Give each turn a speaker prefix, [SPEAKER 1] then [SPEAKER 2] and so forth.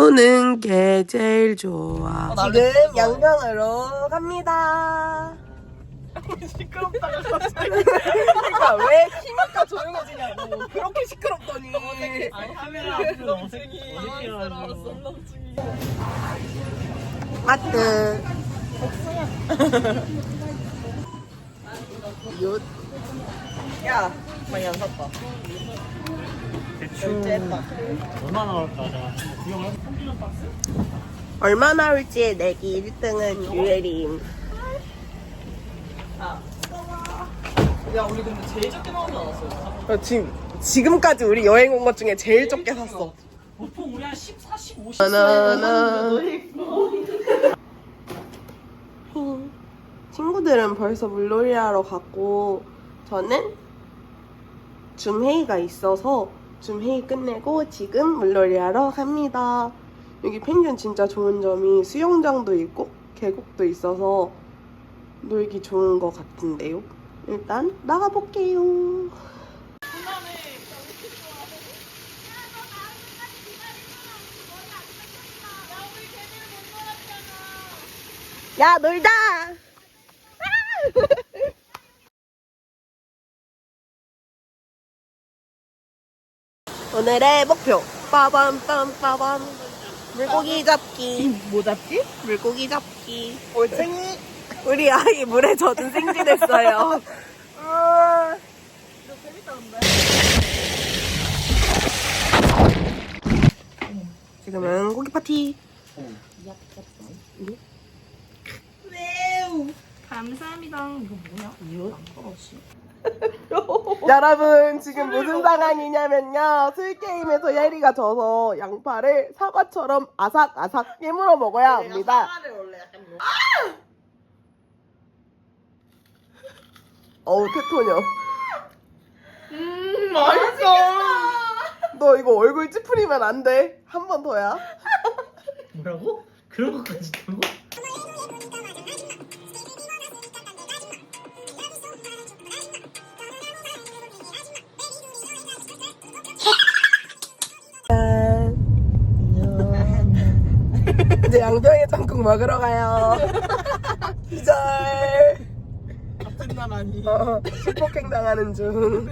[SPEAKER 1] 노는 게 제일 좋아.
[SPEAKER 2] 지금 양평으로 갑니다.
[SPEAKER 3] 시끄럽다가 갑자기.
[SPEAKER 2] 그러니까 왜 키니까 조용해지냐고. 그렇게 시끄럽더니.
[SPEAKER 3] 카메라 앞에서 어색해.
[SPEAKER 2] 마트. 야, 많이 안 샀다.
[SPEAKER 3] 대충 얼마 나올까? 나 구경을
[SPEAKER 2] 얼마 나올지 내기 1등은 유예림.
[SPEAKER 4] 야 우리 근데 제일 적게 나오지 않았어요?
[SPEAKER 2] 지금까지 우리 여행 온 것 중에 제일 적게 샀어.
[SPEAKER 4] 보통 우리 한 14, 15, 10
[SPEAKER 2] 바나나. 친구들은 벌써 물놀이 하러 갔고 저는 줌 회의가 있어서 줌 회의 끝내고 지금 물놀이 하러 갑니다. 여기 펜션 진짜 좋은 점이 수영장도 있고 계곡도 있어서 놀기 좋은 것 같은데요. 일단 나가볼게요. 야, 놀자! 오늘의 목표 빠밤빰빠밤 물고기 잡기.
[SPEAKER 4] 뭐 잡기?
[SPEAKER 2] 물고기 잡기. 올챙이. 우리 아이 물에 젖은 생쥐됐어요. 지금은 고기 파티.
[SPEAKER 4] 감사합니다. 이거 뭐야? 이거?
[SPEAKER 2] 여러분 지금 무슨 상황이냐면요, 술게임에서 예리가 져서 양파를 사과처럼 아삭아삭 깨물어 먹어야 합니다. 어우 테토녀.
[SPEAKER 4] 맛있어.
[SPEAKER 2] 너 이거 얼굴 찌푸리면 안 돼. 한 번 더야.
[SPEAKER 3] 뭐라고? 그런 것까지 있다고?
[SPEAKER 2] 이제 양평에 땅콩 먹으러 가요. 기절.
[SPEAKER 4] 같은 나라니.
[SPEAKER 2] 실폭행 당하는 중.